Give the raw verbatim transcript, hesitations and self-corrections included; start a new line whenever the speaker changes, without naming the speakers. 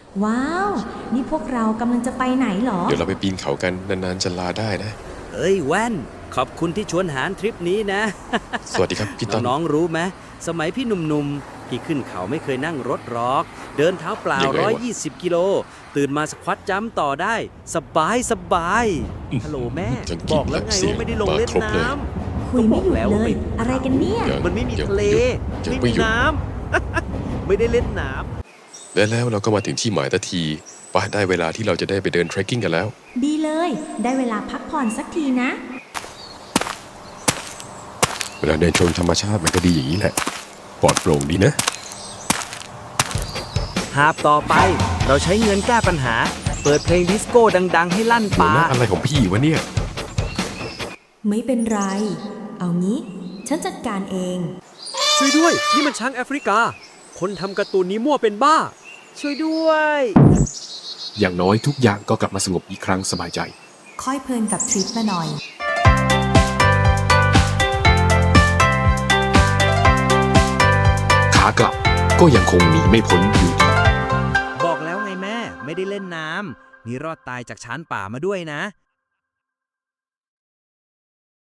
ว้าว นี่พวกเรากำลังจะไปไหนเหรอ
เดี๋ยวเราไปปีนเขากันนานๆจะลาได้นะ
เอ้ยแว่น ขอบคุณที่ชวนหารทริปนี้นะ
สวัสดีครับพี่ต้น
น้องๆรู้ไหมสมัยพี่หนุ่มๆ พี่ขึ้นเขาไม่เคยนั่งรถหรอก เดินเท้าเปล่า
ยังไงวะ
ร้อยยี่สิบกิโล ตื่นมาสควอตจัมป์ต่อได้ สบายสบายฮัลโหลแม่
จัง
บอกแล้วไง
เสียง
ว่าไม่ได้ลงเล่น
มาครบเลย
น้ำ
คุยไม่หยุด
ก็บอกแล้ว
เล
ว่าไม่
ย อะไรกันเนี่ย
ยัง
มันไม่มี
ยัง
ทะเล
ยัง
ไม่
ไม่
มี
หยุด
น้ำ ไม่ได้เล่นน้ำ
และแล้วเราก็มาถึงที่หมายทันทีไปได้เวลาที่เราจะได้ไปเดินเทรคกิ้งกันแล้ว
ดีเลย ได้เวลาพักผ่อนสักทีนะ
เวลาเดินชมธรรมชาติมันก็ดีอย่างนี้แหละปลอดโปร่งดีนะ
หาบต่อไป เราใช้เงินแก้ปัญหา เปิดเพลงดิสโก้ดัง ๆ ให้ลั่น
หัว
ป่า
หน้าอะไรของพี่วะเนี่ย
ไม่เป็นไร เอางี้ ฉันจัดการเอง
ช่วยด้วย นี่มันช้างแอฟริกา คนทำการ์ตูนนี้มั่วเป็นบ้า ช่วยด้วย
อย่างน้อยทุกอย่างก็กลับมาสงบอีกครั้งสบายใจ
ค่อยเพลินกับทริปมาหน่อย
ขากลับก็ยังคงหนีไม่พ้นอยู่ดี
บอกแล้วไงแม่ ไม่ได้เล่นน้ำนี่รอดตายจากช้างป่ามาด้วยนะ